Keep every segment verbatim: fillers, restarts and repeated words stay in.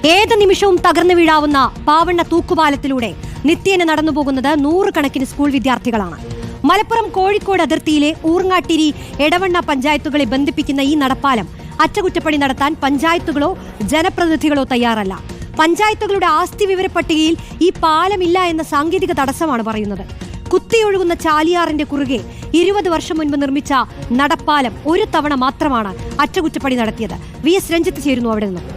ഏത് നിമിഷവും തകർന്നു വീഴാവുന്ന പാവണ്ണ തൂക്കുപാലത്തിലൂടെ നിത്യേന നടന്നുപോകുന്നത് നൂറുകണക്കിന് സ്കൂൾ വിദ്യാർത്ഥികളാണ്. മലപ്പുറം കോഴിക്കോട് അതിർത്തിയിലെ ഊർങ്ങാട്ടിരി എടവണ്ണ പഞ്ചായത്തുകളെ ബന്ധിപ്പിക്കുന്ന ഈ നടപ്പാലം അറ്റകുറ്റപ്പണി നടത്താൻ പഞ്ചായത്തുകളോ ജനപ്രതിനിധികളോ തയ്യാറല്ല. പഞ്ചായത്തുകളുടെ ആസ്തി വിവര പട്ടികയിൽ ഈ പാലമില്ല എന്ന സാങ്കേതിക തടസ്സമാണ് പറയുന്നത്. കുത്തിയൊഴുകുന്ന ചാലിയാറിന്റെ കുറുകെ ഇരുപത് വർഷം മുൻപ് നിർമ്മിച്ച നടപ്പാലം ഒരു തവണ മാത്രമാണ് അറ്റകുറ്റപ്പണി നടത്തിയത്. വി എസ് രഞ്ജിത്ത് ചേരുന്നു അവിടെ നിന്നും.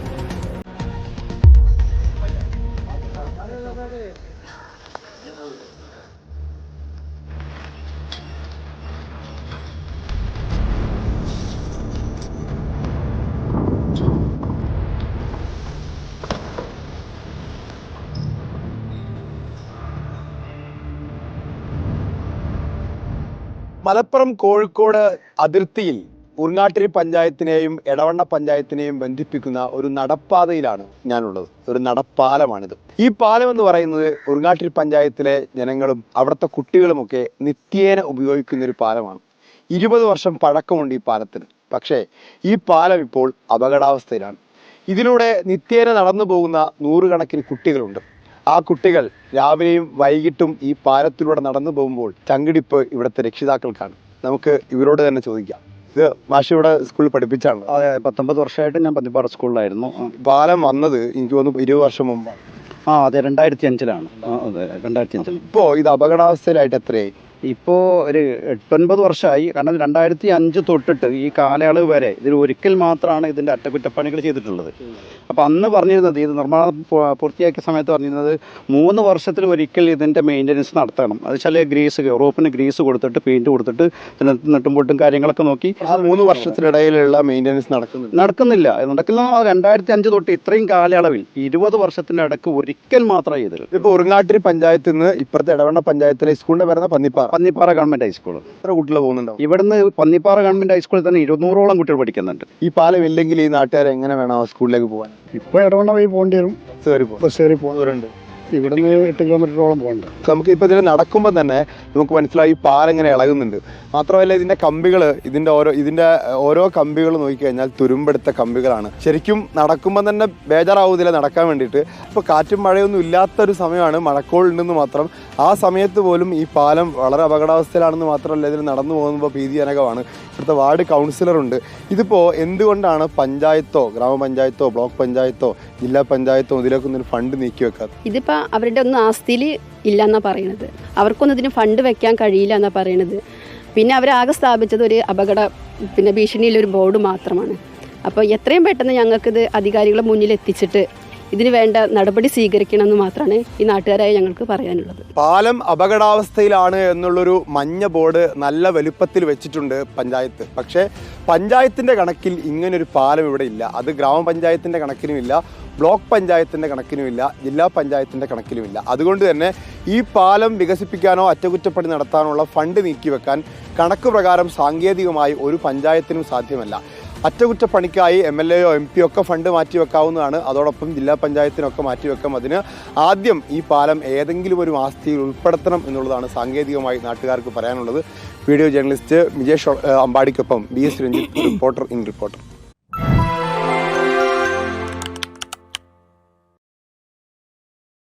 മലപ്പുറം കോഴിക്കോട് അതിർത്തിയിൽ ഊർങ്ങാട്ടിരി പഞ്ചായത്തിനെയും എടവണ്ണ പഞ്ചായത്തിനെയും ബന്ധിപ്പിക്കുന്ന ഒരു നടപ്പാതയിലാണ് ഞാനുള്ളത്. ഒരു നടപ്പാലമാണിത്. ഈ പാലം എന്ന് പറയുന്നത് ഊർങ്ങാട്ടിരി പഞ്ചായത്തിലെ ജനങ്ങളും അവിടുത്തെ കുട്ടികളുമൊക്കെ നിത്യേന ഉപയോഗിക്കുന്ന ഒരു പാലമാണ്. ഇരുപത് വർഷം പഴക്കമുണ്ട് ഈ പാലത്തിന്. പക്ഷേ ഈ പാലം ഇപ്പോൾ അപകടാവസ്ഥയിലാണ്. ഇതിലൂടെ നിത്യേന നടന്നു പോകുന്ന നൂറുകണക്കിന് കുട്ടികളുണ്ട്. ആ കുട്ടികൾ രാവിലെയും വൈകിട്ടും ഈ പാലത്തിലൂടെ നടന്നു പോകുമ്പോൾ ചങ്കിടിപ്പ് ഇവിടുത്തെ രക്ഷിതാക്കൾക്കാണ്. നമുക്ക് ഇവരോട് തന്നെ ചോദിക്കാം. ഇത് മാഷ് ഇവിടെ സ്കൂളിൽ പഠിപ്പിച്ചാണ്? അതെ, പത്തൊമ്പത് വർഷമായിട്ട് ഞാൻ പന്നിപ്പാറ സ്കൂളിലായിരുന്നു. പാലം വന്നത് എനിക്ക് തോന്നുന്നു ഇരുപത് വർഷം മുമ്പാണ്. ആ അതെ, രണ്ടായിരത്തി അഞ്ചിലാണ്. അതെ, രണ്ടായിരത്തി അഞ്ചിൽ. ഇപ്പോൾ ഇത് അപകടാവസ്ഥയിലായിട്ട് എത്രയായി? ഇപ്പോൾ ഒരു എട്ടൊൻപത് വർഷമായി. കാരണം രണ്ടായിരത്തി അഞ്ച് തൊട്ടിട്ട് ഈ കാലയളവ് വരെ ഇതിൽ ഒരിക്കൽ മാത്രമാണ് ഇതിൻ്റെ അറ്റകുറ്റപ്പണികൾ ചെയ്തിട്ടുള്ളത്. അപ്പോൾ അന്ന് പറഞ്ഞിരുന്നത്, ഇത് നിർമ്മാണം പൂർത്തിയാക്കിയ സമയത്ത് പറഞ്ഞിരുന്നത് മൂന്ന് വർഷത്തിൽ ഒരിക്കൽ ഇതിൻ്റെ മെയിൻ്റനൻസ് നടത്തണം. അത് വെച്ചാൽ ഗ്രീസ് റോപ്പിന് ഗ്രീസ് കൊടുത്തിട്ട് പെയിൻറ്റ് കൊടുത്തിട്ട് നെട്ടും പൊട്ടും കാര്യങ്ങളൊക്കെ നോക്കി. ആ മൂന്ന് വർഷത്തിനിടയിലുള്ള മെയിൻ്റനൻസ് നടക്കുന്നില്ല നടക്കുന്നില്ല നടക്കില്ല രണ്ടായിരത്തി അഞ്ച് തൊട്ട് ഇത്രയും കാലയളവിൽ ഇരുപത് വർഷത്തിൻ്റെ ഇടയ്ക്ക് ഒരിക്കൽ മാത്രമേ ചെയ്തത്. ഇപ്പോൾ ഉറുങ്ങാട്ടിരി പഞ്ചായത്തിൽ നിന്ന് ഇപ്പുറത്തെ എടവണ്ണ പഞ്ചായത്തിലെ സ്കൂളിൻ്റെ പേരുന്ന പന്നിപ്പാറ പന്നിപ്പാറ ഗവൺമെന്റ് ഹൈസ്കൂൾ. എത്ര കുട്ടികൾ പോകുന്നുണ്ടോ? ഇവിടുന്ന് പന്നിപ്പാറ ഗവൺമെന്റ് ഹൈസ്കൂളിൽ തന്നെ ഇരുന്നൂറോളം കുട്ടികൾ പഠിക്കുന്നുണ്ട്. ഈ പാലം ഇല്ലെങ്കിൽ ഈ നാട്ടുകാർ എങ്ങനെ വേണം സ്കൂളിലേക്ക് പോകാൻ? ഇപ്പൊ ഇടവണ്ണ വഴി പോകേണ്ടി വരും. ബസ് കയറി പോകുന്നവരുണ്ട്. ഇവിടുന്ന് എട്ട് കിലോമീറ്ററോളം പോകണ്ട. നമുക്ക് ഇപ്പൊ ഇതിൽ നടക്കുമ്പോൾ തന്നെ നമുക്ക് മനസ്സിലായി ഈ പാലം ഇങ്ങനെ ഇളകുന്നുണ്ട്. മാത്രമല്ല ഇതിന്റെ കമ്പികൾ, ഇതിന്റെ ഓരോ ഇതിന്റെ ഓരോ കമ്പികൾ നോക്കിക്കഴിഞ്ഞാൽ തുരുമ്പെടുത്ത കമ്പികളാണ്. ശരിക്കും നടക്കുമ്പോൾ തന്നെ ബേജാറാവുന്നില്ല നടക്കാൻ വേണ്ടിയിട്ട്. ഇപ്പൊ കാറ്റും മഴയൊന്നും ഇല്ലാത്തൊരു സമയമാണ്, മഴക്കോളുണ്ടെന്ന് മാത്രം. ആ സമയത്ത് പോലും ഈ പാലം വളരെ അപകടാവസ്ഥയിലാണെന്ന് മാത്രമല്ല, ഇതിൽ നടന്നു പോകുമ്പോൾ ഭീതിജനകമാണ്. ഇവിടുത്തെ വാർഡ് കൗൺസിലറുണ്ട്. ഇതിപ്പോൾ എന്തുകൊണ്ടാണ് പഞ്ചായത്തോ ഗ്രാമപഞ്ചായത്തോ ബ്ലോക്ക് പഞ്ചായത്തോ ജില്ലാ പഞ്ചായത്തോ ഇതിലേക്കൊന്നും ഫണ്ട് നീക്കി വെക്കാത്തത്? ഇതിപ്പോൾ അവരുടെ ഒന്നും ആസ്തിയിൽ ഇല്ലയെന്നാണ് പറയണത്. അവർക്കൊന്നും ഇതിന് ഫണ്ട് വെക്കാൻ കഴിയില്ല എന്നാണ് പറയണത്. പിന്നെ അവരാകെ സ്ഥാപിച്ചത് ഒരു അപകട പിന്നെ ഭീഷണിയിലൊരു ബോർഡ് മാത്രമാണ്. അപ്പോൾ എത്രയും പെട്ടെന്ന് ഞങ്ങൾക്കിത് അധികാരികളെ മുന്നിൽ എത്തിച്ചിട്ട് ഇതിന് വേണ്ട നടപടി സ്വീകരിക്കണമെന്ന് മാത്രമാണ് ഈ നാട്ടുകാരായ ഞങ്ങൾക്ക് പറയാനുള്ളത്. പാലം അപകടാവസ്ഥയിലാണ് എന്നുള്ളൊരു മഞ്ഞ ബോർഡ് നല്ല വലുപ്പത്തിൽ വെച്ചിട്ടുണ്ട് പഞ്ചായത്ത്. പക്ഷേ പഞ്ചായത്തിൻ്റെ കണക്കിൽ ഇങ്ങനൊരു പാലം ഇവിടെ ഇല്ല. അത് ഗ്രാമപഞ്ചായത്തിൻ്റെ കണക്കിനുമില്ല, ബ്ലോക്ക് പഞ്ചായത്തിൻ്റെ കണക്കിനുമില്ല, ജില്ലാ പഞ്ചായത്തിൻ്റെ കണക്കിലുമില്ല. അതുകൊണ്ട് തന്നെ ഈ പാലം വികസിപ്പിക്കാനോ അറ്റകുറ്റപ്പണി നടത്താനുള്ള ഫണ്ട് നീക്കിവെക്കാൻ കണക്ക് പ്രകാരം സാങ്കേതികമായി ഒരു പഞ്ചായത്തിനും സാധ്യമല്ല. അറ്റകുറ്റപ്പണിക്കായി എം എൽ എയോ എം പി ഒക്കെ ഫണ്ട് മാറ്റിവെക്കാവുന്നതാണ്. അതോടൊപ്പം ജില്ലാ പഞ്ചായത്തിനൊക്കെ മാറ്റിവെക്കാം. അതിന് ആദ്യം ഈ പാലം ഏതെങ്കിലും ഒരു ആസ്തിയിൽ ഉൾപ്പെടുത്തണം എന്നുള്ളതാണ് സാങ്കേതികമായി നാട്ടുകാർക്ക് പറയാനുള്ളത്. വീഡിയോ ജേർണലിസ്റ്റ് വിജേഷ് അമ്പാടിക്കൊപ്പം B S Ranjith, reporter in reporter.